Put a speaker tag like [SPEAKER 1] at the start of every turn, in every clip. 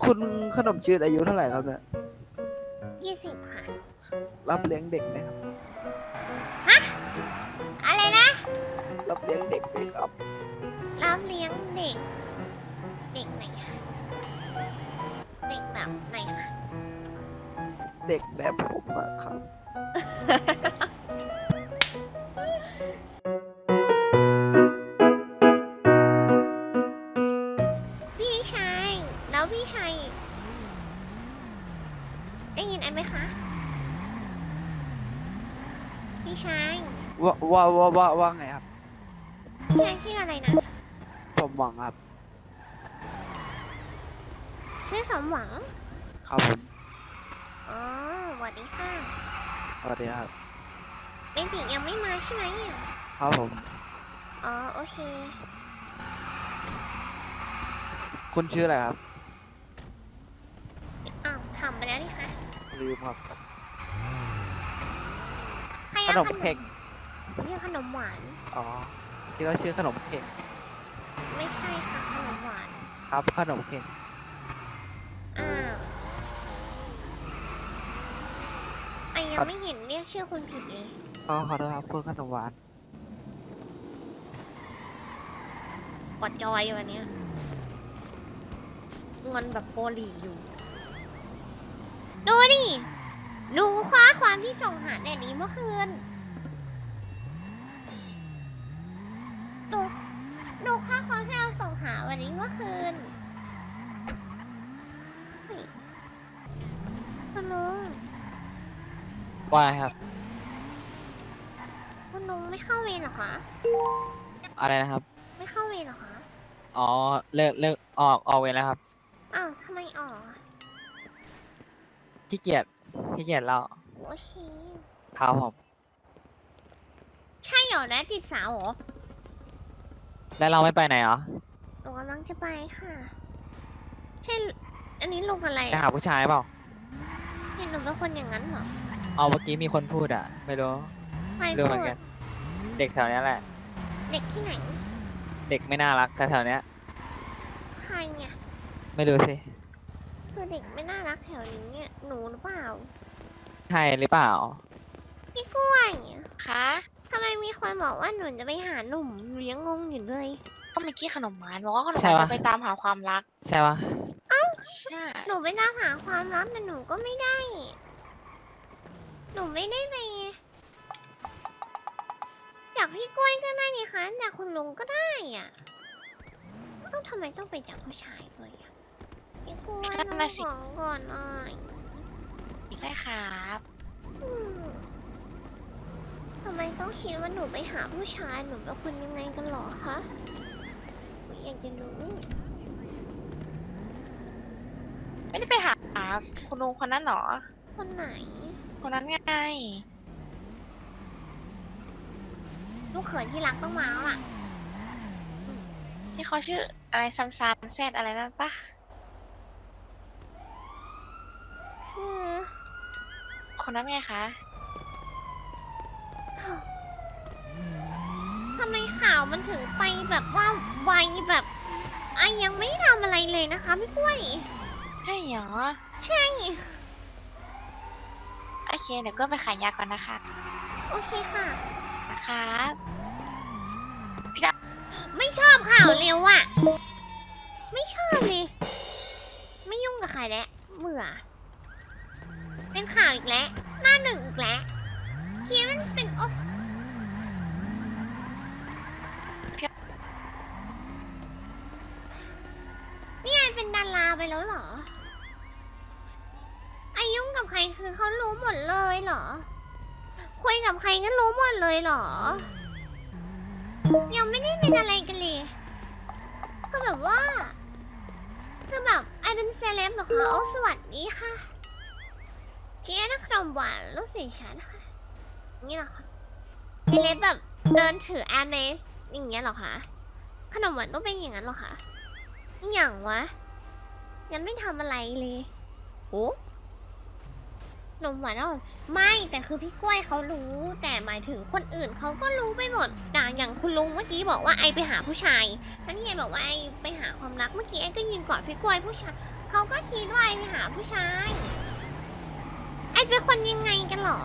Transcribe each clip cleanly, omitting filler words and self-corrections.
[SPEAKER 1] คุณขนมจืดอายุเท่าไหร่ครับเนี่ย
[SPEAKER 2] 20 ค่ะ
[SPEAKER 1] รับเลี้ยงเด็กไหมครับ
[SPEAKER 2] ฮะ อะไรนะ
[SPEAKER 1] รับเลี้ยงเด็กไหมครับ
[SPEAKER 2] รับเลี้ยงเด็ก เด็กไหนคะเด็กแบบไหนคะ
[SPEAKER 1] เด็กแบบผมอะครับ
[SPEAKER 2] พี่ชาย แล้วพี่ชายได้ยินไอ้ไหมคะ พี่ชาย
[SPEAKER 1] ว่าไงครับ
[SPEAKER 2] พี่ชายชื่ออะไรนะ
[SPEAKER 1] สมหวังครับ
[SPEAKER 2] ชื่อสมหวัง
[SPEAKER 1] ครับผม
[SPEAKER 2] อ๋อสวัสดีค่ะ
[SPEAKER 1] สวัสดีครับ
[SPEAKER 2] เบนติยังไม่มาใช่ไหมเนี่ย
[SPEAKER 1] ครับผม
[SPEAKER 2] อ๋อโอเค
[SPEAKER 1] คุณชื่ออะไรครับ
[SPEAKER 2] อ้าวทำไปแล้วนี่คะ
[SPEAKER 1] ลืมครับ
[SPEAKER 2] ใคร
[SPEAKER 1] ข
[SPEAKER 2] เอา
[SPEAKER 1] นมเค้ก
[SPEAKER 2] เรียกขนมหวาน
[SPEAKER 1] อ๋อคิดว่าชื่อขนมเค้ก
[SPEAKER 2] ไม่ใช่ค่ะขนมหวาน
[SPEAKER 1] ครับ ขนมเค้ก
[SPEAKER 2] อ้าวไอยังไม่เห็นเรียกชื่อคุณผิดเลย
[SPEAKER 1] ขอโทษครับคุณขนมหวาน
[SPEAKER 2] กดจอยอยู่วันเนี้ยงอนแบบโปรลีอยู่ ดูดิหนูคว้าความที่ส่งหาแดดนี้เมื่อคืนหนูคว้าความที่เราส่งหาวันนี้เมื่อคืนเฮ้ยคุณลุง
[SPEAKER 3] ว่าครับ
[SPEAKER 2] คุณลุงไม่เข้าเวรเหรอคะ
[SPEAKER 3] อะไรนะครับ
[SPEAKER 2] ไม่เข้าเวรเหรอคะ
[SPEAKER 3] อ๋อ เลิกออกเวรแล้วครับ
[SPEAKER 2] อ้าวทำไมออกอะ
[SPEAKER 3] ขี้เกียจแล้ว
[SPEAKER 2] โอเค
[SPEAKER 3] ครับผม
[SPEAKER 2] ใช่เหรอนะติดสาวเหรอ
[SPEAKER 3] แล้วเราไม่ไปไหนเหรอ
[SPEAKER 2] หนูกำลังจะไปค่ะ ใช่ อันนี้ลุงอะไร
[SPEAKER 3] ไป
[SPEAKER 2] อะ
[SPEAKER 3] หาผู้ชายเปล่า
[SPEAKER 2] เห็นหนูเป็นคนอย่างนั้นเหรอ
[SPEAKER 3] เอาเมื่อกี้มีคนพูดอ่ะ ไม่รู้
[SPEAKER 2] ใคร
[SPEAKER 3] รู้
[SPEAKER 2] พู
[SPEAKER 3] เหมือ
[SPEAKER 2] ด
[SPEAKER 3] นกัน เด็กแถวเนี้ยแหละ
[SPEAKER 2] เด็กที่ไหน
[SPEAKER 3] เด็กไม่น่ารักแถวเนี้ย
[SPEAKER 2] ใครเนี่ย
[SPEAKER 3] ไม่รู้สิ
[SPEAKER 2] คือเด็กไม่น่ารักแถวนี้เนี่ย หนูหรือเปล่า
[SPEAKER 3] ใช่หรือเปล่า
[SPEAKER 2] พี่กล้วยคะทำไมมีคนบอกว่าหนูจะไปหาหนุ่มหนูยังงงอยู่เลย
[SPEAKER 4] ก็เมื่อกี้ขนมหวานบอกว่าขนมห
[SPEAKER 3] ใช่
[SPEAKER 4] วาน
[SPEAKER 3] ปะ
[SPEAKER 4] จะไปตามหาความรัก
[SPEAKER 3] ใช่ปะ
[SPEAKER 4] ใช่
[SPEAKER 2] หนูไปตามหาความรักแต่หนูก็ไม่ได้ หนูไม่ได้ไปจากพี่กล้วยก็ได้นี่คะจากคุณลุงก็ได้อ่ะต้องทำไมต้องไปจากผู้ชายด้วยอ่ะพี่กล้วยน้องของก่อนหน่อย
[SPEAKER 4] ได้ครับ
[SPEAKER 2] อืมทำไมต้องคิดว่าหนูไปหาผู้ชายหนูเป็นคนยังไงกันหรอคะหนูอยากจะรู้
[SPEAKER 4] ไม่ได้ไปหาคุณลุงคนนั้นหรอ
[SPEAKER 2] คนไหน
[SPEAKER 4] คนนั้นไง
[SPEAKER 2] ลูกเขยที่รักต้องมาแล้วล่ะ
[SPEAKER 4] ที่เขาชื่ออะไรซันแซดอะไรนั่นปะ
[SPEAKER 2] คือ
[SPEAKER 4] คนนั้นไงคะ
[SPEAKER 2] ทำไมข่าวมันถึงไปแบบว่าไวแบบยังไม่ทำอะไรเลยนะคะพี่กล้วย
[SPEAKER 4] ใช่เหรอ
[SPEAKER 2] ใช่
[SPEAKER 4] โอเคเดี๋ยวก็ไปขายยาก่อนนะคะ
[SPEAKER 2] โอเคค่ะ
[SPEAKER 4] นะครับ
[SPEAKER 2] ไม่ชอบข่าวเร็วอะไม่ชอบเลย ไม่ยุ่งกับใครแล้วเบื่อ เป็นข่าวอีกแล้ว หน้าหนึ่งอีกแล้วคิดว่ามันเป็นโอ้นี่ไงเป็นดาราไปแล้วเหรออายุ่งกับใครคือเขารู้หมดเลยเหรอ คุยกับใครก็รู้หมดเลยเหรอ ยังไม่ได้เป็นอะไรกันเลย ก็แบบว่า คือแบบไอเป็นเซเลบเหรอคะโอ้สวัสดีค่ะเจ๊นักขนมหวานลูกศิษย์ฉันค่ะนี่เหรอคะเซเลบแบบเดินถือแอร์เมสอย่างเงี้ยเหรอคะ ขนมหวานต้องเป็นอย่างนั้นเหรอคะอย่างวะ ยังไม่ทำอะไรเลยโอ้ขนมหวานอ่ะไม่แต่คือพี่กล้วยเขารู้ แต่หมายถึงคนอื่นเขาก็รู้ไปหมดอย่างคุณลุงเมื่อกี้บอกว่าไอไปหาผู้ชายแล้วนี่ไอบอกว่าไอไปหาความรักเมื่อกี้ไอก็ยืนกอดพี่กล้วยผู้ชายขเขาก็คิดว่าไอไปหาผู้ชาย ไอเป็นคนยังไงกันหรอ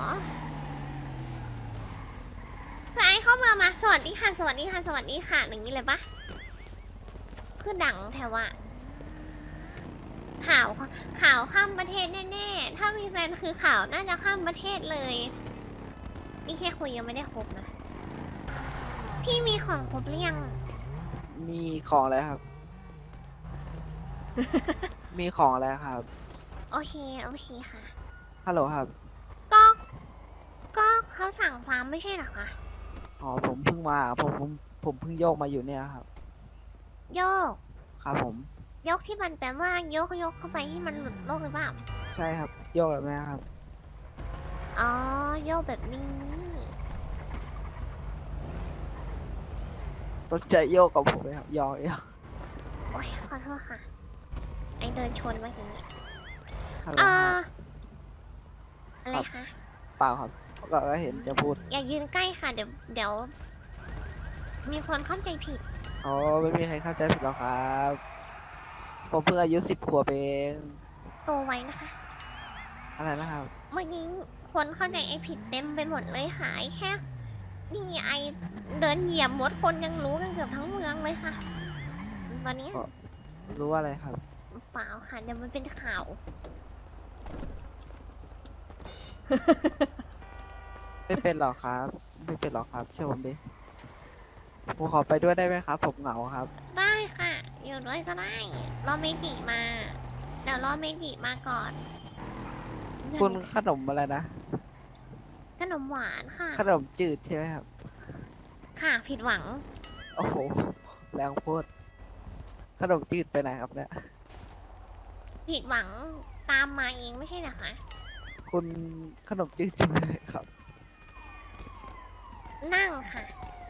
[SPEAKER 2] คือไอเข้าเมืองมาสวัสดีค่ะสวัสดีค่ะสวัสดีค่ะอย่างนี้เลยปะคือดังแถวอะข่าวข้ามประเทศแน่ๆ ถ้ามีแฟนคือข่าวน่าจะข้ามประเทศเลยนี่แค่คุยยังไม่ได้ครบนะ พี่มีของครบหรือยัง
[SPEAKER 1] มีของอะไรครับ มีของอะไรครับ
[SPEAKER 2] โอเคค่ะ
[SPEAKER 1] ฮัลโหลครับ
[SPEAKER 2] ก็ ก็เขาสั่งฟาร์มไม่ใช่เหรอคะ
[SPEAKER 1] อ๋อผมเพิ่งมาผมเพิ่งโยกมาอยู่เนี่ยครับ
[SPEAKER 2] โยก
[SPEAKER 1] ครับผม
[SPEAKER 2] ยกที่มันแปลว่ายกเข้าไปที่มันหลุดโลกหรือเปล่า
[SPEAKER 1] ใช่ครับ โยกแบบนี้ครับ
[SPEAKER 2] อ๋อ โยกแบบนี้
[SPEAKER 1] สนใจโยกกับผมไหมครับยอก
[SPEAKER 2] โอ้ยขอโทษค่ะ ไอเดินชนมาทีนี้
[SPEAKER 1] ฮัลโหล
[SPEAKER 2] อ่า
[SPEAKER 1] ครับ
[SPEAKER 2] อะไรคะ
[SPEAKER 1] เปล่าครับก็เห็นจะพูด
[SPEAKER 2] อย่ายืนใกล้ค่ะ เดี๋ยว มีคนเข้าใจผิด
[SPEAKER 1] อ๋อไม่มีใครเข้าใจผิดหรอกครับ ผมเพิ่งอายุ10 ขวบเอง
[SPEAKER 2] โตไว้นะคะ
[SPEAKER 1] อะไรนะครับ
[SPEAKER 2] เมื่อกี้คนเข้าใจไอผิดเต็มไปหมดเลยค่ะไอแค่ นี่ไอเดินเหยียบมดคนยังรู้กันเกือบทั้งเมืองเลยค่ะ ตอนนี้
[SPEAKER 1] อ๋อ รู้ว่าอะไรครับ
[SPEAKER 2] เปล่าค่ะเดี๋ยวมันเป็นข่าว
[SPEAKER 1] ไม่เป็นหรอกครับ ไม่เป็นหรอกครับเชื่อผมดิผมขอไปด้วยได้ไหมครับ ผมเหงาครับ
[SPEAKER 2] ได้ค่ะ อยู่ด้วยก็ได้ รอเมจิมา เดี๋ยวรอเมจิมาก่อน
[SPEAKER 1] คุณขนมอะไรนะ
[SPEAKER 2] ขนมหวานค่ะ
[SPEAKER 1] ขนมจืดใช่ไหมครับ
[SPEAKER 2] ค่ะผิดหวัง
[SPEAKER 1] โอ้โหแรงโพูดขนมจืดไปไหนครับเนี่ย
[SPEAKER 2] ผิดหวังตามมาเองไม่ใช่เหรอคะ
[SPEAKER 1] คุณขนมจืดใช่ไหมครับ
[SPEAKER 2] นั่งค่ะ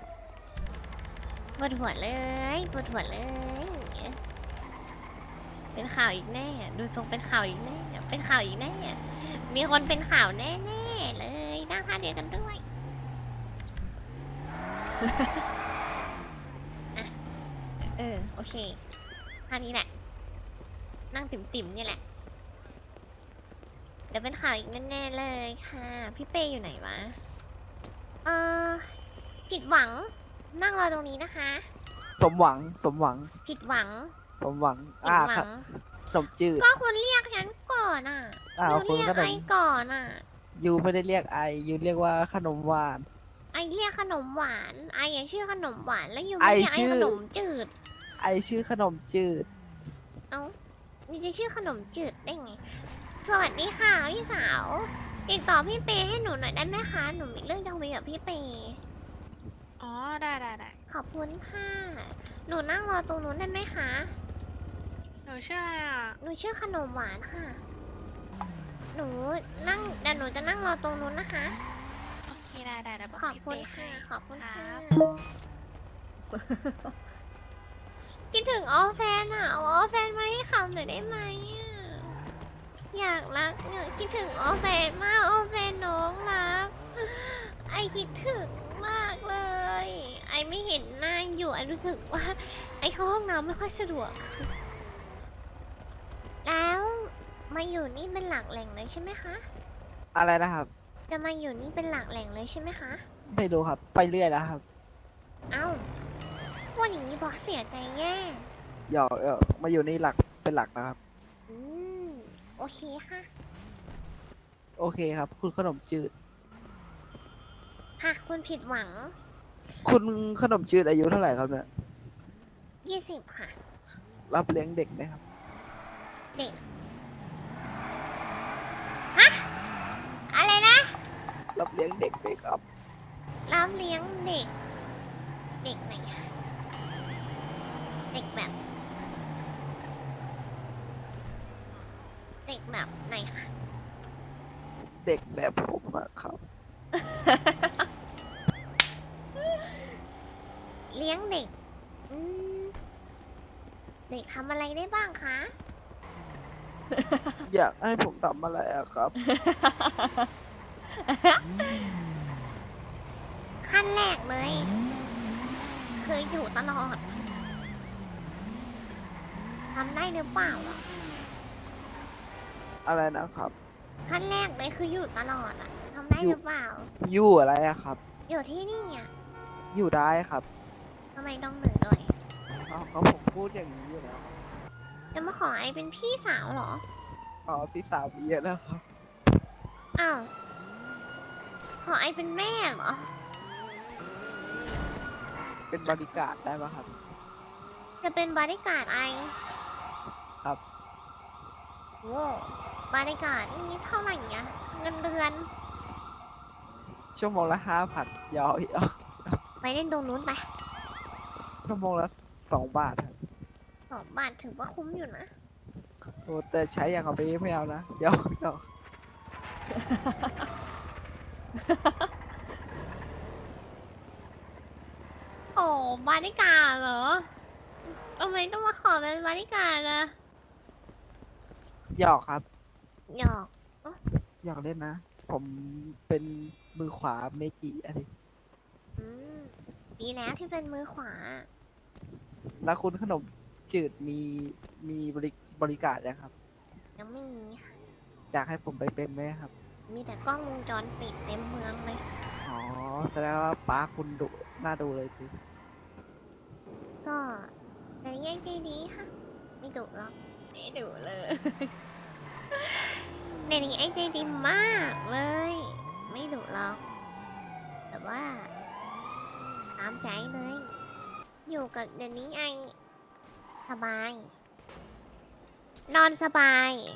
[SPEAKER 2] ปวดหัวเลยปวดหัวเลย เป็นข่าวอีกแน่ ดูทรงเป็นข่าวอีกแน่ เป็นข่าวอีกแน่ มีคนเป็นข่าวแน่ๆเลยนั่งค่ะเดียวกันด้วย อ่ะโอเคท่านี้แหละ นั่งติ่มๆนี่แหละ เดี๋ยวเป็นข่าวอีกแน่ๆเลยค่ะ พี่เป้อยู่ไหนวะ ผิดหวัง นั่งรอตรงนี้นะคะ
[SPEAKER 1] สมหวังสมหวัง
[SPEAKER 2] ผิดหวัง
[SPEAKER 1] สมหวัง
[SPEAKER 2] ผิดหวั
[SPEAKER 1] ครับ
[SPEAKER 2] ง
[SPEAKER 1] ขนมจืด
[SPEAKER 2] ก็คุณเรียกฉันก่อนอ่ะ
[SPEAKER 1] อ้าว
[SPEAKER 2] ยูเรีย
[SPEAKER 1] คุณ
[SPEAKER 2] ก
[SPEAKER 1] ขนม
[SPEAKER 2] ไอก่อนอ่ะ
[SPEAKER 1] ยูไม่ได้เรียกไอยูเรียกว่าขนมหวาน
[SPEAKER 2] ไอเรียกขนมหวาน ไออย่าชื่อขนมหวาน แล้วยู
[SPEAKER 1] ไอ
[SPEAKER 2] ไม่เรียกไอ
[SPEAKER 1] ชื่อ
[SPEAKER 2] ขนมจืด
[SPEAKER 1] ไอชื่อขนมจืด
[SPEAKER 2] เอ้ามีจะชื่อขนมจืดได้ไง สวัสดีค่ะพี่สาว ติดต่อพี่เปให้หนูหน่อยได้ไหมคะ หนูมีเรื่องจะคุยกับพี่เป
[SPEAKER 4] อ๋อ ได้ได้ได้
[SPEAKER 2] ขอบคุณค่ะ หนูนั่งรอตรงนู้นได้ไหมคะ
[SPEAKER 4] หนูชื่ออะไรอ่ะ
[SPEAKER 2] หนูชื่อขนมหวานค่ะ เดี๋ยวหนูจะนั่งรอตรงนู้นนะคะ
[SPEAKER 4] โอเค ได้ได้ได้บอก
[SPEAKER 2] ขอบ
[SPEAKER 4] พี่
[SPEAKER 2] คุณ
[SPEAKER 4] เป้
[SPEAKER 2] ค่ะ
[SPEAKER 4] ให้
[SPEAKER 2] ขอบคุณ
[SPEAKER 4] ค
[SPEAKER 2] ค่ะ
[SPEAKER 4] รับ
[SPEAKER 2] คิดถึงออแฟนอ่ะเอาออแฟนมาให้คำหน่อยได้ไหมอ่ะ อยากรักเนี่ยคิดถึงออแฟนมากออแฟนน้องรัก ไอคิดถึงมากเลย ไอไม่เห็นหน้าอยู่ไอรู้สึกว่า ไอเข้าห้องน้ำไม่ค่อยสะดวก แล้วมาอยู่นี่เป็นหลักแหล่งเลยใช่ไหมคะ
[SPEAKER 1] อะไรนะครับ
[SPEAKER 2] จะมาอยู่นี่เป็นหลักแหล่งเลยใช่ไหมคะ
[SPEAKER 1] ไม่รู้ครับ ไปเรื่อยแล้วครับ
[SPEAKER 2] เอ้าพูดอย่างนี้บอกเสียใจแย่
[SPEAKER 1] หยอกมาอยู่นี่เป็นหลักนะครับ
[SPEAKER 2] อืม โอเคค่ะ
[SPEAKER 1] โอเคครับ คุณขนมจืด
[SPEAKER 2] ค่ะคุณผิดหวัง
[SPEAKER 1] คุณขนมจืดอายุเท่าไหร่ครับเนี่ย
[SPEAKER 2] 20 ค่ะ
[SPEAKER 1] รับเลี้ยงเด็กไหมครับ
[SPEAKER 2] เด็ก ฮะ อะไรนะ
[SPEAKER 1] รับเลี้ยงเด็กไหมครับ
[SPEAKER 2] รับเลี้ยงเด็ก เด็กไหนคะเด็กแบบ เด็กแบบไหนคะ
[SPEAKER 1] เด็กแบบผมอะครับ
[SPEAKER 2] เลี้ยงเด็ก อืม เด็กทำอะไรได้บ้างคะ
[SPEAKER 1] อยากให้ผมทำอะไรอะครับ
[SPEAKER 2] ขั้นแรกเลย เคยอยู่ตลอด ทำได้หรือเปล่าอ่ะ
[SPEAKER 1] อะไรนะครับ
[SPEAKER 2] ขั้นแรกเลยคืออยู่ตลอดอะทำได้
[SPEAKER 1] อยู่
[SPEAKER 2] หรือเปล่า
[SPEAKER 1] อยู่อะไรอะครับ
[SPEAKER 2] อยู่ที่นี่อะ
[SPEAKER 1] อยู่ได้ครับ
[SPEAKER 2] ทำไมต้องเหนื่อยด้วย
[SPEAKER 1] เขาผมพูดอย่างนี้อยู่แล้วครับ
[SPEAKER 2] จะมาขอไอเป็นพี่สาวเหรอ
[SPEAKER 1] อ๋อพี่สาวมีเยอะแล้วครับ
[SPEAKER 2] อ้าว ขอไอเป็นแม่เหรอ
[SPEAKER 1] เป็นบริการดได้ปะครับ
[SPEAKER 2] จะเป็นบริการดไอ
[SPEAKER 1] ครับ
[SPEAKER 2] โว้บริการดนี่เท่าไหร่เนี่ยเงินเดือน
[SPEAKER 1] ชั่วโมงละ5,000ยาวอีก
[SPEAKER 2] ไปเล่นตรงนู้นไป
[SPEAKER 1] ชั่วโมงละ2 บาทครับ
[SPEAKER 2] 2 บาทถือว่าคุ้มอยู่นะ
[SPEAKER 1] โอ้แต่ใช้อย่างกับไปไม่เอานะเดี๋ยวเดี๋ยว
[SPEAKER 2] โอ้บริการดเหรอทำไมต้องมาขอเป็นบริการดอะ
[SPEAKER 1] หยอกครับ
[SPEAKER 2] หยอก
[SPEAKER 1] หยอกเล่นนะ ผมเป็นมือขวาเมจิอันนี้
[SPEAKER 2] อืมดีแล้วที่เป็นมือขวา
[SPEAKER 1] แล้วคุณขนมจืดมีบริการนะครับ
[SPEAKER 2] ยังไม่มีค่ะ
[SPEAKER 1] อยากให้ผมไปเป็นไหมครับ
[SPEAKER 2] มีแต่กล้องวงจรปิดเต็มเมืองเลย
[SPEAKER 1] อ๋อแสดงว่าป้าคุณดุน่าดูเลยสิ
[SPEAKER 2] ก็แต่ยังใจดีค่ะ ไม่ดุหรอกไม่ดุเลย เดี๋ยวนี้ไอ้ใจดีมากเลย ไม่ดุหรอก แต่ว่าตามใจเลย อยู่กับเดี๋ยวนี้ไอสบาย นอนสบาย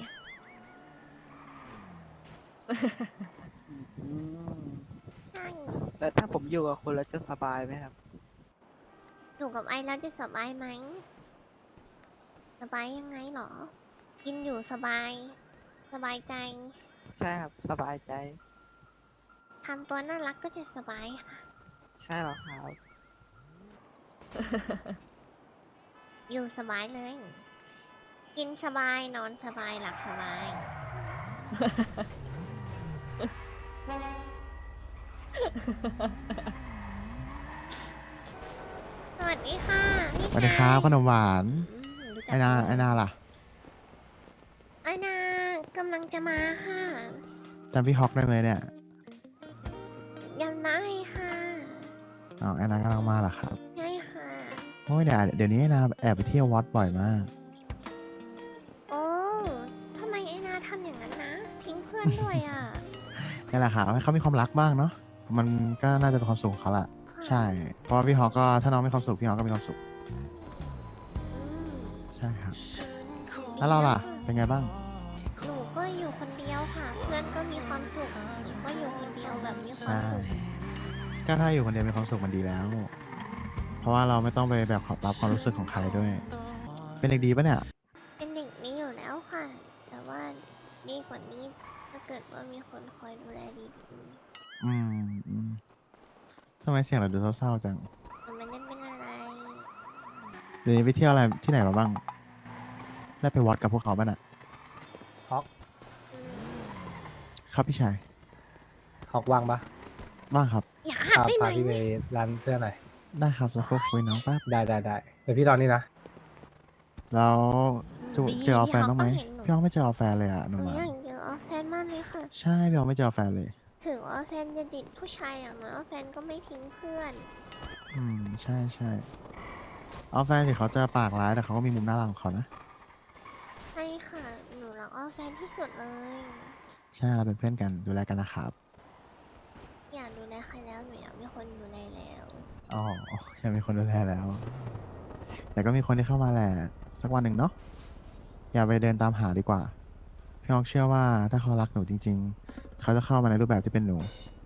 [SPEAKER 1] อืม
[SPEAKER 2] ใช่
[SPEAKER 1] แต่ถ้าผมอยู่กับคุณแล้วจะสบายไหมครับ
[SPEAKER 2] อยู่กับไอแล้วจะสบายไหม สบายยังไงหรอ กินอยู่สบาย สบายใจ
[SPEAKER 1] ใช่ครับสบายใจ
[SPEAKER 2] ทำตัวน่ารักก็จะสบายค่ะ
[SPEAKER 1] ใช่หรอครับ
[SPEAKER 2] อยู่สบายเลย กินสบาย นอนสบาย หลับสบาย สวัสดีค่ะพี่
[SPEAKER 5] สวัสดีครับขนมหวาน
[SPEAKER 2] รู้จัก
[SPEAKER 5] ไอนา
[SPEAKER 2] ไหม
[SPEAKER 5] ไอนาล่ะ
[SPEAKER 2] ไอนากำลังจะมาค่ะ
[SPEAKER 5] จำพี่ฮอกได้ไหมเนี่ย
[SPEAKER 2] ยังได้ค่ะ
[SPEAKER 5] อ๋อไอนากำลังมาเหรอครับ
[SPEAKER 2] ใช่ค่ะ
[SPEAKER 5] โอ้ยเดี๋ยวนี้ไอนาแอบไปเที่ยววัดบ่อยมาก
[SPEAKER 2] โอ้ทำไมไอนาทำอย่างนั้นนะ ทิ้งเพื่อนด้วยอ่ะ
[SPEAKER 5] นี่แหละครับให้เขามีความรักบ้างเนาะมันก็น่าจะเป็นความสุขของเขาแหละ
[SPEAKER 2] ค่ะ
[SPEAKER 5] ใช่ เพราะว่าพี่ฮอกก็ถ้าน้องมีความสุขพี่ฮอกก็มีความสุข
[SPEAKER 2] อืม
[SPEAKER 5] ใช่ครับ แล้วเราล่ะ เป็นไงบ้าง
[SPEAKER 2] หนูก็อยู่คนเดียวค่ะ เพื่อนก็มีความสุขหนูก็อยู่คนเดียวแบบมีความ
[SPEAKER 5] ใช่
[SPEAKER 2] สุข
[SPEAKER 5] ก็ถ้าอยู่คนเดียวมีความสุขมันดีแล้ว เพราะว่าเราไม่ต้องไปแบบรับความรู้สึกของใครด้วย เป็นเด็กดีปะเนี่ย
[SPEAKER 2] เป็นเด็กนี้อยู่แล้วค่ะ แต่ว่าดีกว่านี้ถ้าเกิดว่ามีคนคอยดูแลดี
[SPEAKER 5] อืมทำไมเสียงเราดูเศร้าๆจัง
[SPEAKER 2] ๆมันไม่ได้เป็นอะไร
[SPEAKER 5] เดี๋ยวนี้ไปเที่ยวอะไรที่ไหนมาบ้าง ได้ไปวัดกับพวกเขาบ้างน่ะ
[SPEAKER 6] ฮอก
[SPEAKER 2] อืม
[SPEAKER 5] ครับพี่ชาย
[SPEAKER 6] ฮอกว่างปะ
[SPEAKER 5] ว่างครับ
[SPEAKER 2] อยากขัด
[SPEAKER 6] พา
[SPEAKER 2] ได้ไหม
[SPEAKER 6] พาพี่ไปร้านเสื้อหน่อย
[SPEAKER 5] ได้ครับจะคุยน้องแป๊บ
[SPEAKER 6] ได้ได้ได้เดี๋ยวพี่ตอนนี้นะ
[SPEAKER 5] แล้วจะ
[SPEAKER 2] ดี
[SPEAKER 5] เจออแฟนบ้างไหม
[SPEAKER 2] พี่
[SPEAKER 5] พี่
[SPEAKER 2] ฮ
[SPEAKER 5] อ
[SPEAKER 2] อก
[SPEAKER 5] ไม่เจออแฟนเลยอ่ะห
[SPEAKER 2] ก็
[SPEAKER 5] นุ่ม
[SPEAKER 2] เห็นหนู
[SPEAKER 5] หวา
[SPEAKER 2] อยาน กเจอออฟแฟนมากเลยค่ะ
[SPEAKER 5] ใช่พี่อไม่เจออแฟนเลย
[SPEAKER 2] ถึงว่าแฟนจะติดผู้ชายอย่างน้อยออฟแฟนก็ไม่ทิ้งเพื่อน
[SPEAKER 5] ใช่ใช่อแฟนถึงเขาจะปากร้ายแต่เขาก็มีมุมน่ารักของเขานะ
[SPEAKER 2] ใช่ค่ะ หนูรักออฟแฟนที่สุดเลย
[SPEAKER 5] ใช่เราเป็นเพื่อนกันดูแลกันนะครับ
[SPEAKER 2] อยากดูแลใครแล้วหนูอยากมีคนดูแลแล้ว
[SPEAKER 5] อ๋อยังมีคนดูแลแล้ว แต่ก็มีคนที่เข้ามาแหละสักวันหนึ่งเนาะอย่าไปเดินตามหาดีกว่าพี่ออกเชื่อว่าถ้าเขารักหนูจริง ๆ เขาจะเข้ามาในรูปแบบที่เป็นหนู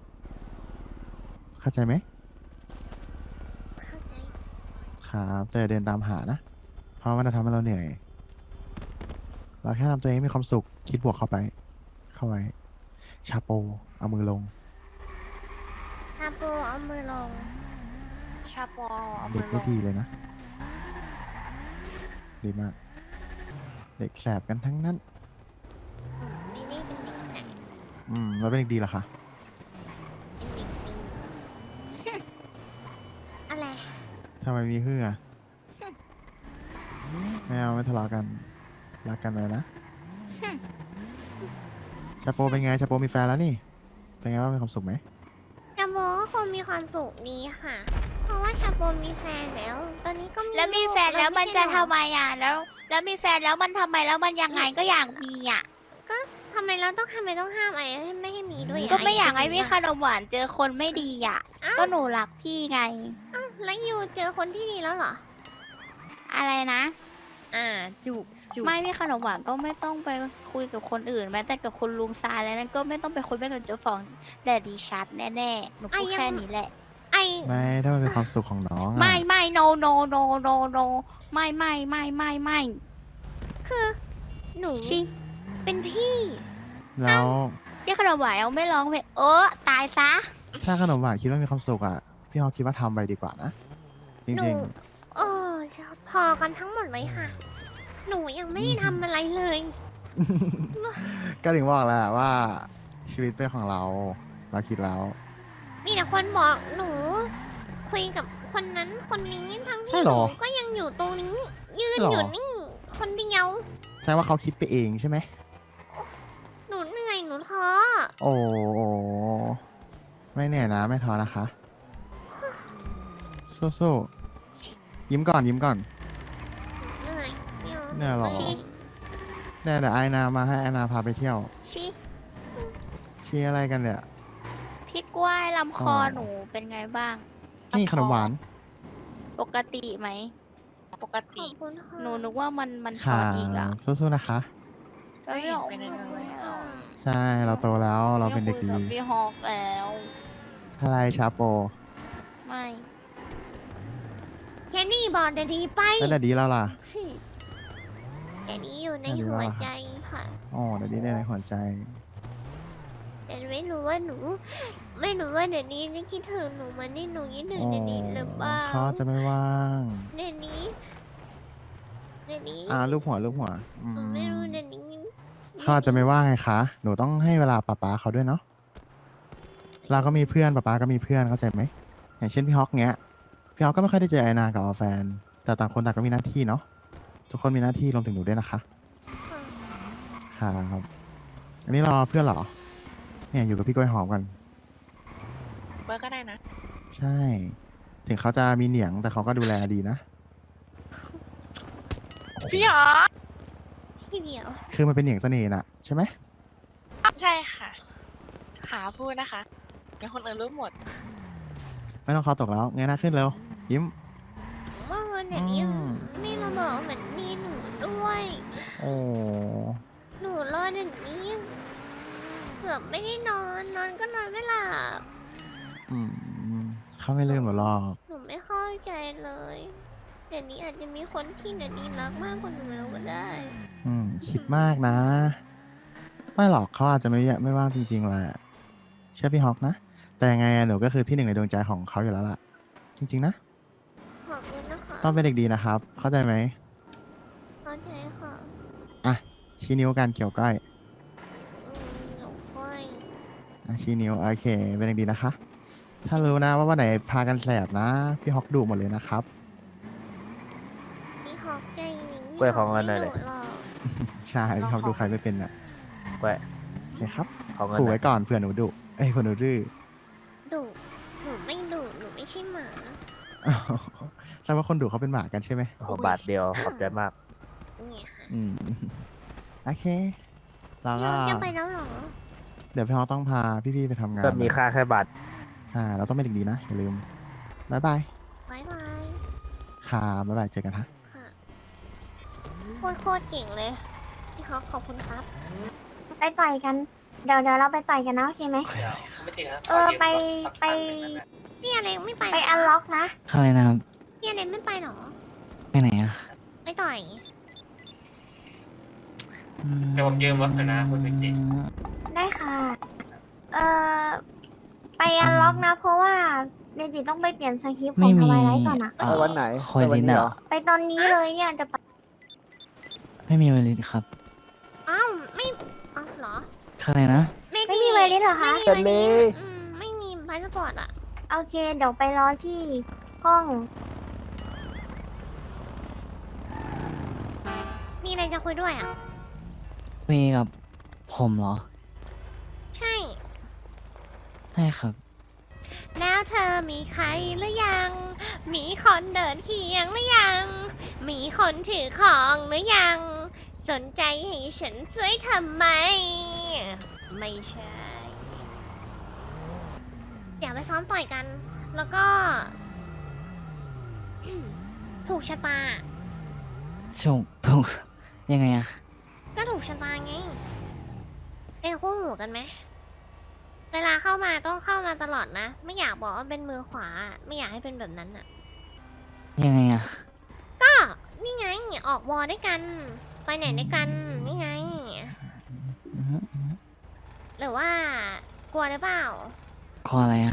[SPEAKER 5] เข้าใจไหม
[SPEAKER 2] เข้าใจ
[SPEAKER 5] ครับแต่อย่าเดินตามหานะ เพราะว่ามันจะทำให้เราเหนื่อย เราแค่ทำตัวเองให้มีความสุข คิดบวกเข้าไป เข้าไว้ ชาโป เอามือลง
[SPEAKER 2] ซาโปเอามือลง
[SPEAKER 4] ชาปอเอา
[SPEAKER 5] เด็
[SPEAKER 4] มื
[SPEAKER 5] ก
[SPEAKER 4] อล
[SPEAKER 5] ไม่
[SPEAKER 4] ง
[SPEAKER 5] ดีเลยนะ ดีมาก เด็กแสบกันทั้งนั้น
[SPEAKER 2] ไม่ได้เป็นเด็กไหน
[SPEAKER 5] แล้วเป็นเด็กดีเหรอคะ
[SPEAKER 2] เป็นเด็กดี อะไร
[SPEAKER 5] ทำไมมีฮืออะไม่เอาไม่ทะเลาะกัน รักกันไว้นะชาโปเป็นไงชาโปมีแฟนแล้วนี่ เป็นไงบ้างมีความสุขไหม
[SPEAKER 2] ชาโบก็คงมีความสุขดีค่ะ เพราะว่าชาโบมีแฟนแล้ว ตอนนี้ก็มี
[SPEAKER 7] แล้วมี
[SPEAKER 2] ลูก
[SPEAKER 7] แฟนแล้วมัน
[SPEAKER 2] ไใช่
[SPEAKER 7] จะ
[SPEAKER 2] หรอ
[SPEAKER 7] ทำไมอ่ะแล้วมีแฟนแล้วมันทำไมแล้วมันยังไงก็อยากมีอ่ะ
[SPEAKER 2] ทำไมเราต้องห้ามไอ้ไม่ให้มีด้วยะ
[SPEAKER 7] ก็ไม่อยากให้
[SPEAKER 2] ไ
[SPEAKER 7] พี่ขนมหวานเจอคนไม่ดีอ่ะ
[SPEAKER 2] อ้าว
[SPEAKER 7] ก็หนูรักพี่ไง
[SPEAKER 2] แล้วยูเจอคนที่ดีแล้วเหรอ
[SPEAKER 7] อะไรนะ
[SPEAKER 4] จุกจุก
[SPEAKER 7] ไม่พี่ขนมหวานก็ไม่ต้องไปคุยกับคนอื่นแม้แต่กับคุณลุงซายแล้วนั่นก็ไม่ต้องไปคุยกับเจ้าของแดดดีชัดแน่ๆหนูพูดแค่นี้แหละ
[SPEAKER 2] ไอ
[SPEAKER 5] ไม่ถ้ามันเป็นความสุขของน้องอะ
[SPEAKER 7] ไม่ no no no no no ไม่
[SPEAKER 2] คือหนู
[SPEAKER 7] ชิ
[SPEAKER 2] เป็นพี่
[SPEAKER 5] แล้ว
[SPEAKER 7] พี่ขนมหวานเอาไม่ร้องเพลงตายซะ
[SPEAKER 5] ถ้าขนมหวานคิดว่ามีความสุขอ่ะ พี่ฮอกคิดว่าทำไปดีกว่านะ จ
[SPEAKER 2] หนู
[SPEAKER 5] ริง
[SPEAKER 2] เออพอกันทั้งหมดเลยค่ะ หนูยังไม่ได้ทำอะไรเลย
[SPEAKER 5] ๆ ก็ถึงบอกแหละว่าชีวิตเป็นของเรา เราคิดแล้ว
[SPEAKER 2] มีแต่คนบอกหนู คุยกับคนนั้นคนนี้ทั้ง
[SPEAKER 5] ใช่
[SPEAKER 2] ที่
[SPEAKER 5] เห
[SPEAKER 2] ห
[SPEAKER 5] ร
[SPEAKER 2] นู
[SPEAKER 5] อ
[SPEAKER 2] ก็ยังอยู่ตรงนี้ ยืน
[SPEAKER 5] หรอ
[SPEAKER 2] อ
[SPEAKER 5] อ
[SPEAKER 2] ยู่นิ่งคนเดียว
[SPEAKER 5] ใช่ว่าเขาคิดไปเองใช่ไหม
[SPEAKER 2] หนูเหนื่อยหนูท้อ
[SPEAKER 5] โอ้โหไม่เหนื่อยนะ ไม่ท้อนะคะ สู้ๆยิ้มก่อนยิ้มก่อน
[SPEAKER 2] เหนื่อยเดี๋ยว
[SPEAKER 5] เหนื่อยเหรอ
[SPEAKER 2] ชิ
[SPEAKER 5] เดี๋ยวไอนามาให้ไอนาพาไปเที่ยว
[SPEAKER 7] ชิ
[SPEAKER 5] ชี้อะไรกันเนี่ย
[SPEAKER 7] พี่กล้วยลำคอ
[SPEAKER 5] อ
[SPEAKER 7] หนูเป็นไงบ้าง
[SPEAKER 5] นี่ขนมหวาน
[SPEAKER 7] ปกติไหม
[SPEAKER 4] ปก
[SPEAKER 2] ข
[SPEAKER 4] ติ
[SPEAKER 2] อบคุณค่ะ
[SPEAKER 7] หนูนึกว่ามันช็อ
[SPEAKER 5] ค่ะ
[SPEAKER 7] ตอีกอ่ะ
[SPEAKER 5] สู้ๆนะคะ
[SPEAKER 7] ไม่อยาก
[SPEAKER 4] ไม่เห็นเป็นอะไรเลย
[SPEAKER 2] ค่ะ
[SPEAKER 5] ใช่เราโตแล้วเราเป็นเด็กดี
[SPEAKER 7] ไม่คุยกับพี่ฮอกแล้ว
[SPEAKER 5] อะไรชาโป
[SPEAKER 7] ไม่
[SPEAKER 2] แค่นี้บอกเดี๋ยวดีไป
[SPEAKER 5] แล้วแต่ดีแล้วล่ะ
[SPEAKER 2] แต่นี้อยู่ใน
[SPEAKER 5] อันนี้
[SPEAKER 2] หัว
[SPEAKER 5] ว่า
[SPEAKER 2] ใจค่ะ
[SPEAKER 5] อ๋อเดี๋ยวดีได้ในหัวใจ
[SPEAKER 2] แต่ไม่รู้ว่าหนู ไม่รู้ว่าเดี๋ยวนี้นี่คิดถึงหนูมันนี่หนูคิดถึง
[SPEAKER 5] อ๋อ
[SPEAKER 2] เดี๋ยวนี้หรือเปล่า
[SPEAKER 5] เขาจะไม่ว่าง
[SPEAKER 2] เดี๋ยวนี้เดี๋ยวนี้
[SPEAKER 5] ลูกหัวลูกหัวอื
[SPEAKER 2] หนูไม่รู้
[SPEAKER 5] ม
[SPEAKER 2] เดี๋ยวนี้
[SPEAKER 5] เขาอาจจะไม่ว่างไงคะ หนูต้องให้เวลาป๊าป๊าเขาด้วยเนาะ เราก็มีเพื่อนป๊าป๊าก็มีเพื่อนเข้าใจไหม อย่างเช่นพี่ฮอกเงี้ย พี่ฮอกก็ไม่ค่อยได้เจอไอนากับแฟน แต่ต่างคนต่างก็มีหน้าที่เนาะ ทุกคนมีหน้าที่รวมถึงหนูด้วยนะคะ
[SPEAKER 2] ค่ะ
[SPEAKER 5] ครับ อันนี้รอเพื่อนเหรอ เนี่ยอยู่กับพี่กล้วยหอมกัน
[SPEAKER 4] เบอร์ก็ได้นะ
[SPEAKER 5] ใช่ ถึงเขาจะมีเหนียงแต่เขาก็ดูแลดีนะ
[SPEAKER 4] พี่หรอ
[SPEAKER 2] พี่เดียว
[SPEAKER 5] คือมันเป็นเหนียงเสน่ห์น่ะใช่ไหม
[SPEAKER 4] ใช่ค่ะ หาพูดนะคะเดี๋ยวคนอื่นรู้หมด
[SPEAKER 5] ไม่ต้องคอตกแล้วเงยหน้าขึ้นเร็ว ยิ้ม
[SPEAKER 2] เมื่อวันเดี๋ยวนี้
[SPEAKER 5] อืม
[SPEAKER 2] ไม่มาบอกเหมือนมีหนูด้วย
[SPEAKER 5] โอ้
[SPEAKER 2] หนูรอเดี๋ยวนี้เกือบไม่ได้นอน นอนก็นอนไม่หลับ
[SPEAKER 5] อืมเขาไม่ลืมหรอกหรอก
[SPEAKER 2] หนูไม่เข้าใจเลย เดี๋ยวนี้อาจจะมีคนที่เดี๋ยวนี้รักมากกว่าหนูแล้วก็ได้
[SPEAKER 5] คิดมากนะ ไม่หรอกเขาอาจจะไม่ว่างจริงๆแหละเชื่อพี่ฮอกนะ แต่ยังไงอะหนูก็คือที่หนึ่งในดวงใจของเขาอยู่แล้วล่ะ จริงๆนะ
[SPEAKER 2] ขอบคุณนะคะ
[SPEAKER 5] ต้องเป็นเด็กดีนะครับ เข้าใจไหม
[SPEAKER 2] เข้าใจค่ะ
[SPEAKER 5] อ่ะ ชี้นิ้วกันเกี่ยวก้อย
[SPEAKER 2] เดี๋ยวค่อย
[SPEAKER 5] อ่ะชี้นิ้วโอเค เป็นเด็กดีนะคะ ถ้ารู้นะว่าวันไหนพากันแสบนะ พี่ฮอกดุหมดเลยนะครับ
[SPEAKER 2] พี่ฮอกใจหนึ่ง
[SPEAKER 3] กล้วยของเงินหน่อย
[SPEAKER 2] เล
[SPEAKER 3] เลย
[SPEAKER 2] หรอก
[SPEAKER 5] ใช่พี่ฮอกดูใครไม่เป็นอ่ะ
[SPEAKER 3] กล้วย
[SPEAKER 5] โอเคครับ
[SPEAKER 3] ขอเงิน
[SPEAKER 5] ขู่
[SPEAKER 3] หน่อ
[SPEAKER 5] ไว้
[SPEAKER 3] ย
[SPEAKER 5] ก่อนเผื่อหนูดุเอ้ยเผื่อหนูดื้อ
[SPEAKER 2] ดุหนูไม่ดุหนูไม่ใช่หมา
[SPEAKER 5] แสดงว่าคนดุเขาเป็นหมากันใช่ไหม
[SPEAKER 3] โอ้โหบาทเดียวขอบใจมาก
[SPEAKER 2] เนี่ยค่ะ
[SPEAKER 5] อืม โอเค แล้ว
[SPEAKER 2] พี่
[SPEAKER 5] ก็
[SPEAKER 2] ฮอกจะไปแล้วเหรอ
[SPEAKER 5] เดี๋ยวพี่ฮอกต้องพาพี่ๆไปทำงาน
[SPEAKER 3] ก็มีค่าแค่บาท
[SPEAKER 5] ใช่เราต้องเป็นเด็กดีนะ อย่าลืมบายบาย
[SPEAKER 2] บ๊ายบาย
[SPEAKER 5] ค่ะบ๊ายบายเจอกันฮะ
[SPEAKER 2] ค่ะโคตรเก่งเลย พี่ฮอกขอบคุณครับ
[SPEAKER 8] ไปต่อยกัน เดี๋ยวเราไปต่อยกันนะโอเคไหมไป
[SPEAKER 2] พี่อะไรไม่ไป
[SPEAKER 8] ไป
[SPEAKER 2] เหร
[SPEAKER 8] อันล็อกนะ
[SPEAKER 9] เข้าเลยนะครับ
[SPEAKER 2] พี่อะไรไม่ไปเหรอ
[SPEAKER 9] ไปไหนอ่ะ
[SPEAKER 2] ไม่ต่อย
[SPEAKER 9] เดี๋ยวผมยืมรถหน่อยนะคุณวิกกี้
[SPEAKER 8] ได้ค่ะ ไปอันล็อกนะ เพราะว่าเมจิต้องไปเปลี่ยนสคริปต์ของทวายไลท์ก่อนอะ
[SPEAKER 1] ไปวันไหน
[SPEAKER 9] คอยลิน
[SPEAKER 1] ไปวั
[SPEAKER 9] อ่ะ
[SPEAKER 8] ไปตอนนี้เลยเนี่ยจะไป
[SPEAKER 9] ไม่มีไวลินครับ
[SPEAKER 2] อ้าวไม่อ้าวเหรอ
[SPEAKER 9] เข้าเลยนะ
[SPEAKER 8] ไม่มีไวลิสเหรอคะ
[SPEAKER 2] ไม่มีไม่มีพาสปอร์ตอะ
[SPEAKER 8] โอเค เดี๋ยวไปรอที่ห้อง
[SPEAKER 2] มีอะไรจะคุยด้วยอะ
[SPEAKER 9] คุยกับผมเหรอช่ครับ
[SPEAKER 2] แล้วเธอมีใครหรือยัง มีคนเดินเคียงหรือยัง มีคนถือของหรือยัง สนใจให้ฉันช่วยทำไม ไม่ใช่ อยากไปซ้อมต่อยกัน แล้วก็ ถูกชะตา
[SPEAKER 9] ถูกยังไงอะ
[SPEAKER 2] ก็ถูกชะตาไง เป็นคู่หูกันไหม เวลาเข้ามาต้องเข้ามาตลอดนะ ไม่อยากบอกว่าเป็นมือขวา ไม่อยากให้เป็นแบบนั้นอะ
[SPEAKER 9] ยังไงอะ
[SPEAKER 2] ก็นี่ไง ออกวอด้วยกัน ไปไหนด้วยกัน นี่ไง
[SPEAKER 9] อือฮึ
[SPEAKER 2] หรือว่ากลัวหรือเปล่า
[SPEAKER 9] ขออะไรอะ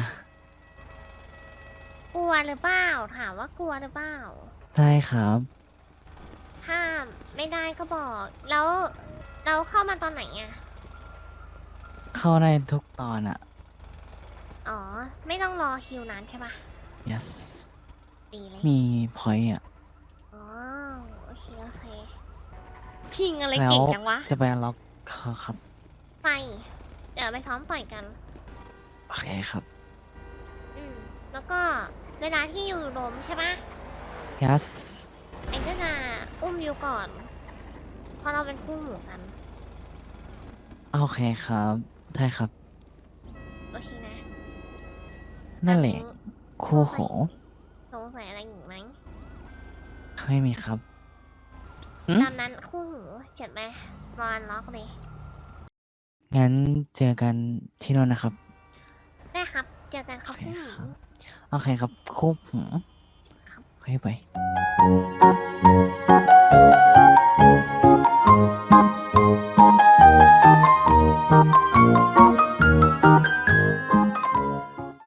[SPEAKER 2] กลัวหรือเปล่า ถามว่ากลัวหรือเปล่า
[SPEAKER 9] ได้ครับ
[SPEAKER 2] ถ้าไม่ได้ก็บอก แล้วเราเข้ามาตอนไหนอะ
[SPEAKER 9] เข้าได้ทุกตอนอะ
[SPEAKER 2] อ๋อ ไม่ต้องรอคิวนานใช่ปะ
[SPEAKER 9] yes
[SPEAKER 2] ดีเลย
[SPEAKER 9] มีพอยต์อะ
[SPEAKER 2] อ๋อ โอเค โอเค พิงอะไร
[SPEAKER 9] แล้ว
[SPEAKER 2] เก่งจังวะ
[SPEAKER 9] จะไปล็อกเขาครับ
[SPEAKER 2] ไป เดี๋ยวไปซ้อมต่อยกัน
[SPEAKER 9] โอเคครับ
[SPEAKER 2] อืม แล้วก็เวลาที่อยู่โดมใช่ปะ
[SPEAKER 9] yes
[SPEAKER 2] ไอ้ก็จะอุ้มอยู่ก่อน เพราะเราเป็นคู่หมู่กัน
[SPEAKER 9] โอเคครับได้ครับ
[SPEAKER 2] โอเคนะ
[SPEAKER 9] นั่นแหละ คู่หู
[SPEAKER 2] สงสัยอะไรอีกไหม
[SPEAKER 9] ไม่มีครับ
[SPEAKER 2] ตามนั้นคู่หูเจ็บไหมรออันล็อกเลย
[SPEAKER 9] งั้นเจอกันที่นู่นนะครับ
[SPEAKER 2] ได้ครับ เจอกันค
[SPEAKER 9] โอ
[SPEAKER 2] รับ
[SPEAKER 9] เค
[SPEAKER 2] คู่หู
[SPEAKER 9] ครับ โอเคครับ คู่หู
[SPEAKER 2] ครับ
[SPEAKER 9] ไป